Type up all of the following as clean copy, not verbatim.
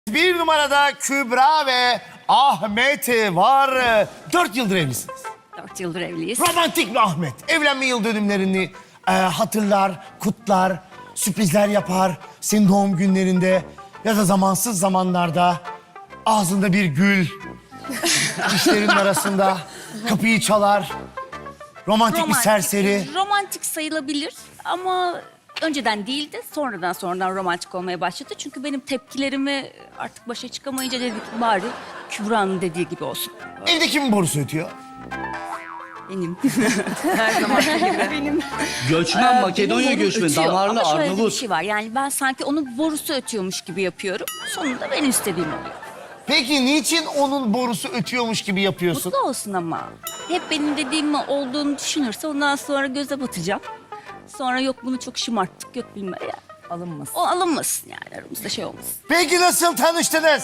Bir numarada Kübra ve Ahmet var. 4 yıldır evlisiniz. 4 yıldır evliyiz. Romantik mi Ahmet? Evlenme yıl dönümlerini hatırlar, kutlar, sürprizler yapar. Senin doğum günlerinde ya da zamansız zamanlarda ağzında bir gül, dişlerinin arasında kapıyı çalar. Romantik bir serseri. Romantik sayılabilir ama önceden değildi. Sonradan romantik olmaya başladı. Çünkü benim tepkilerimi artık başa çıkamayınca dedik bari Kübra'nın dediği gibi olsun. Evde kimin borusu ötüyor? Benim. Her zaman gibi. Benim. Göçmen, Makedonya Benim borum göçmeni, ötüyor. damarlı, Ama şöyle bir Arnavut. şey var. Yani ben sanki onun borusu ötüyormuş gibi yapıyorum. Sonunda benim istediğim oluyor. Peki niçin onun borusu ötüyormuş gibi yapıyorsun? Mutlu olsun ama. Hep benim dediğim olduğunu düşünürse ondan sonra göze batacağım. Sonra yok bunu çok şımarttık, yok bilmem ya. Alınmasın. O alınmasın yani aramızda şey olmasın. Peki nasıl tanıştınız?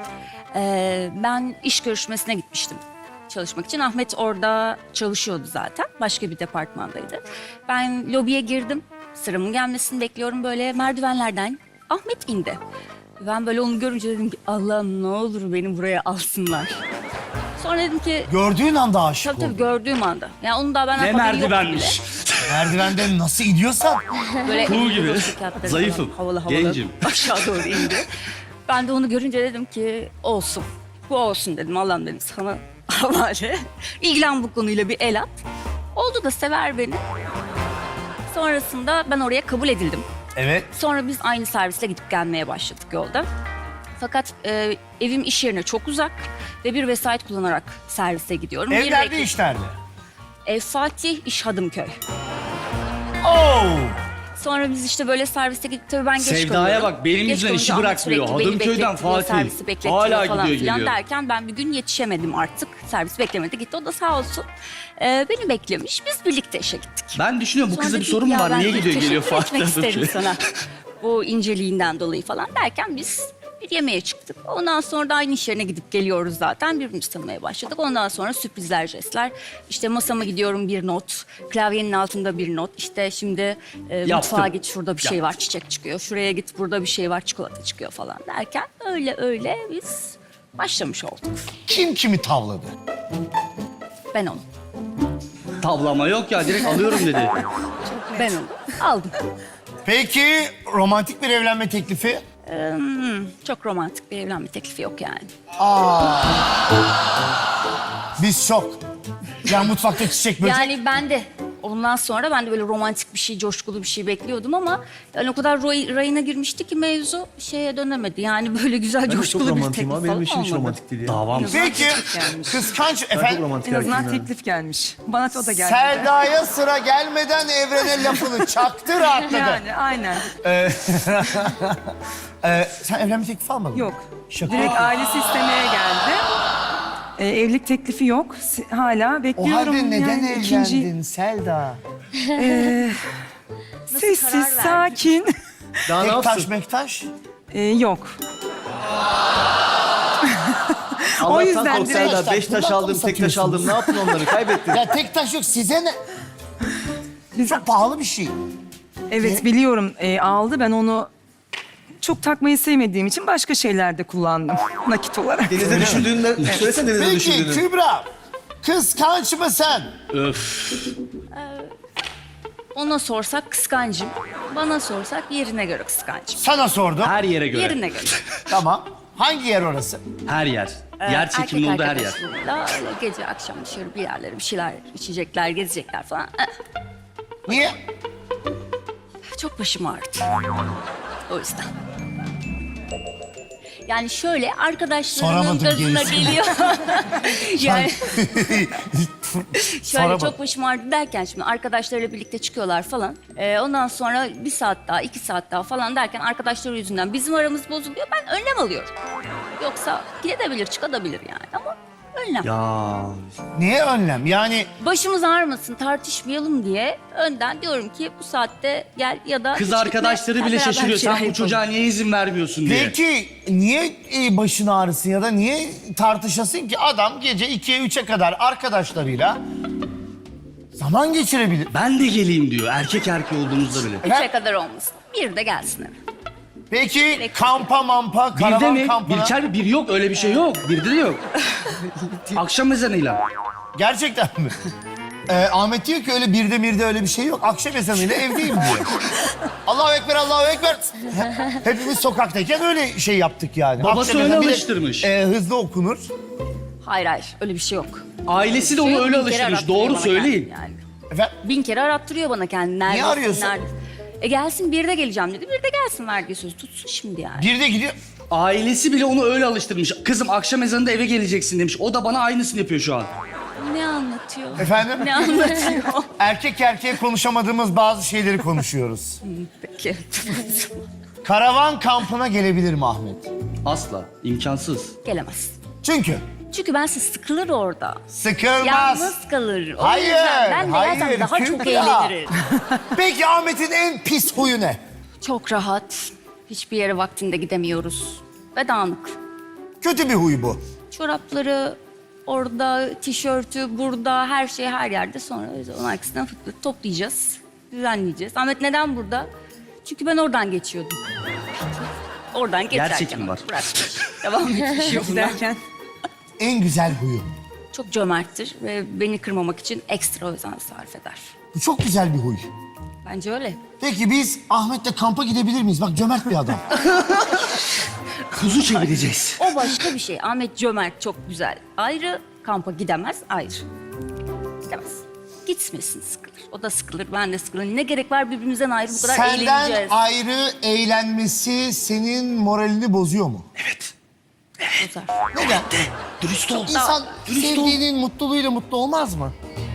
Ben iş görüşmesine gitmiştim çalışmak için. Ahmet orada çalışıyordu zaten. Başka bir departmandaydı. Ben lobiye girdim. Sıramın gelmesini bekliyorum. Böyle merdivenlerden Ahmet indi. Ben böyle onu görünce dedim ki Allah'ım ne olur beni buraya alsınlar. Sonra dedim ki Gördüğün anda aşık tabii oldun. gördüğüm anda. Yani onun daha benden Ne haberi yoktu merdivenmiş. Merdivenden nasıl iniyorsan. bile. Böyle Kuğu elinde gibi. dostluk kağıtları Zayıfım, falan, havalı havalı gencim. aşağı doğru indi. Ben de onu görünce dedim ki olsun. Bu olsun dedim. Allah'ım dedim sana havale. İlgilen bu konuyla bir el at. Oldu da sever beni. Sonrasında ben oraya kabul edildim. Evet. Sonra biz aynı servisle gidip gelmeye başladık yolda. Fakat evim iş yerine çok uzak ve bir vesait kullanarak servise gidiyorum. Ev Bir nerede, dakika- iş nerede? Ev Fatih, iş Hadımköy. Oo! Sonra biz işte böyle serviste gidip tabii ben geç Sevdaya kalıyorum. bak, benim Geç yüzümden kalınca işi Ahmet bırakmıyor. sürekli beni Hadımköy'den bekletiyor, Fatih. servisi bekletiyor Hala falan gidiyor, filan geliyor. derken ben bir gün yetişemedim artık. Servis beklemedi gitti. O da sağ olsun beni beklemiş. Biz birlikte işe gittik. Ben düşünüyorum bu Sonra kızda bir dedik sorun mu ya var? ben Niye gidiyor geliyor teşekkür Fatih'ten etmek isterim sonra? sana. Bu inceliğinden dolayı falan derken biz bir yemeğe çıktık. Ondan sonra da aynı iş yerine gidip geliyoruz zaten. Birbirimizi tanımaya başladık. Ondan sonra sürprizler, jestler. İşte masama gidiyorum bir not. Klavyenin altında bir not. İşte şimdi mutfağa git şurada bir şey var çiçek çıkıyor. Şuraya git burada bir şey var çikolata çıkıyor falan derken öyle biz başlamış olduk. Kim kimi tavladı? Ben onu. Tavlama yok ya, direkt alıyorum dedi. Ben onu aldım. Peki romantik bir evlenme teklifi? Çok romantik bir evlenme teklifi yok yani. Biz şok. Ya mutfakta çiçek böcek. Yani ben de ondan sonra ben de böyle romantik bir şey, coşkulu bir şey bekliyordum ama yani o kadar rayına girmişti ki mevzu şeye dönemedi. Yani böyle güzel coşkulu bir teklif falan Benim için hiç olmadı. romantik değil ya. Davam. Peki kıskanç efendim. Romantik En azından erkeğim yani. teklif gelmiş. Bana o da geldi. Selda'ya sıra gelmeden evrene lafını çaktı rahatladı. Yani aynen. Sen evlenme teklifi almadın mı? Yok. Şaka. Direkt ailesi istemeye geldi. Evlilik teklifi yok. Hala O bekliyorum. halde neden yani evlendin Selda? Sessiz, karar verdin? sakin. Daha ne Tektaş yapsın? mektaş. Yok. Allah'tan yüzden kork direkt- Serdar. 5 taş Kulakla aldım, mı tek taş satıyorsunuz? aldım. Ne yaptın onları? Kaybettin. Ya tektaş yok size ne? Çok pahalı bir şey. Evet biliyorum aldı. Ben onu çok takmayı sevmediğim için başka şeylerde kullandım. Nakit olarak. Denizde düşündüğünde, söylesene denizde Peki düşündüğünü. Kübra, kıskanç mısın? Öf. Ona sorsak kıskancım. Bana sorsak yerine göre kıskancım. Sana sordum. Her yere göre. Yerine göre. Tamam. Hangi yer orası? Her yer. Yer çekimli olduğu her yer. arkadaşlarıyla öyle gece akşam dışarı bir yerlere bir şeyler içecekler, gezecekler falan. Niye? Çok başım ağrıdı. O yüzden. Yani şöyle arkadaşlarımın Soramadım gazına gerisini. geliyor. yani şöyle Soramadım. çok başım ağrıdı derken şimdi arkadaşlarıyla birlikte çıkıyorlar falan. Ondan sonra bir saat daha, 2 saat daha falan derken arkadaşları yüzünden bizim aramız bozuluyor. Ben önlem alıyorum. Yoksa gidebilir, çıkabilir yani ama önlem. Ya. Niye önlem? Yani Başımız ağrımasın, tartışmayalım diye önden diyorum ki bu saatte gel ya da Kız hiç arkadaşları gitme, bile beraber şaşırıyor. bir şeyler Sen bu yapalım. çocuğa niye izin vermiyorsun diye. peki niye başın ağrısın ya da niye tartışasın ki adam gece 2'ye 3'e kadar arkadaşlarıyla zaman geçirebilir. Ben de geleyim diyor. Erkek olduğumuzda bile. 3'e kadar olmasın. Bir de gelsin eve. Peki kampa mampa, Birde karavan mi? kampına. Bir bir yok öyle bir şey yok. Birde de yok. Akşam ezanıyla. Gerçekten mi? Ahmet diyor ki öyle birde öyle bir şey yok. Akşam ezanıyla evdeyim diyor. Allahu Ekber, Allahu Ekber. Hepimiz sokaktayken öyle şey yaptık yani. Babası Akşam öyle ezanı bir de, alıştırmış. Hızlı okunur. Hayır öyle bir şey yok. Ailesi de Şey onu yok, öyle bin kere alıştırmış. arattırıyor Doğru bana söyleyin. kendini yani. Efendim? 1000 kere arattırıyor bana kendini. Neredesin, arıyorsun? neredesin? Gelsin bir de geleceğim dedi. Bir de gelsin verdiği söz tutsun şimdi yani. Bir de gidiyor. Ailesi bile onu öyle alıştırmış. Kızım akşam ezanında eve geleceksin demiş. O da bana aynısını yapıyor şu an. Ne anlatıyor? Efendim? Ne anlatıyor? Erkek erkeğe konuşamadığımız bazı şeyleri konuşuyoruz. Peki. Karavan kampına gelebilir mi Ahmet? Asla. İmkansız. Gelemez. Çünkü Çünkü ben siz sıkılır orada. sıkılmaz. Yalnız kalır. O Hayır, yüzden ben de hayır, zaten daha çok Kübra. eğlenirim. Peki Ahmet'in en pis huyu ne? Çok rahat. Hiçbir yere vaktinde gidemiyoruz. Ve dağınık. Kötü bir huy bu. Çorapları orada, tişörtü burada, her şey her yerde. Sonra biz onun arkasından fıt toplayacağız, düzenleyeceğiz. Ahmet neden burada? Çünkü ben oradan geçiyordum. Oradan geçerken. çekimi var. Bırakmış. Devam etmiş yoluna. Derken En güzel huyu. Çok cömerttir ve beni kırmamak için ekstra özen sarf eder. Bu çok güzel bir huy. Bence öyle. Peki biz Ahmet'le kampa gidebilir miyiz? Bak cömert bir adam. Kuzu çevireceğiz. O başka bir şey. Ahmet cömert, çok güzel. Ayrı, kampa gidemez, ayrı. Gidemez. Gitmesin, sıkılır. O da sıkılır, ben de sıkılırım. Ne gerek var birbirimizden ayrı bu kadar Senden eğleneceğiz. ayrı eğlenmesi senin moralini bozuyor mu? Evet. Bozar. Neden? Dürüst ol. İnsan Dürüst ol. sevdiğinin mutluluğuyla mutlu olmaz mı?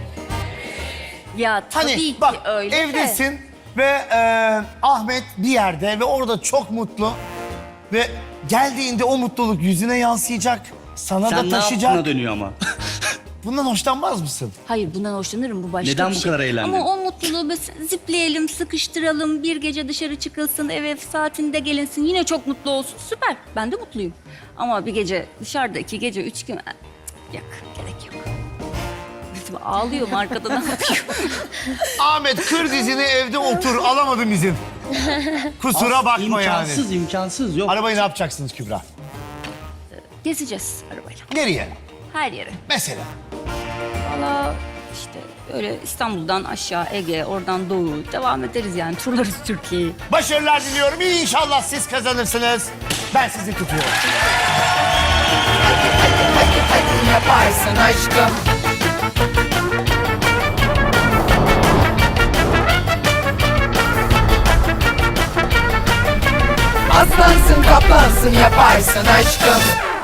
Ya tabii Hani ki bak öyle de. evdesin ve Ahmet bir yerde ve orada çok mutlu ve geldiğinde o mutluluk yüzüne yansıyacak, sana Sen da ne taşıyacak. yaptığına dönüyor ama. Bundan hoşlanmaz mısın? Hayır bundan hoşlanırım, bu başka Neden bir bu şey. kadar eğlendin? Ama o mutluluğu mesela zipleyelim, sıkıştıralım, bir gece dışarı çıkılsın, eve saatinde gelinsin, yine çok mutlu olsun. Süper, ben de mutluyum. Ama bir gece dışarıda 2 gece 3 gün... Yok, gerek yok. Ağlıyorum arkada, ne yapıyor? Ahmet kır dizini evde otur, alamadım izin. Kusura bakma yani. İmkansız yok. Arabayı ne yapacaksınız Kübra? Gezeceğiz arabayla, Nereye? her yere. Mesela. Valla işte öyle İstanbul'dan aşağı Ege, oradan doğu devam ederiz yani. Turlarız Türkiye'yi. Başarılar diliyorum. İnşallah siz kazanırsınız. Ben sizi tutuyorum. Yaparsın aşkım. Aslansın kaplansın yaparsın aşkım.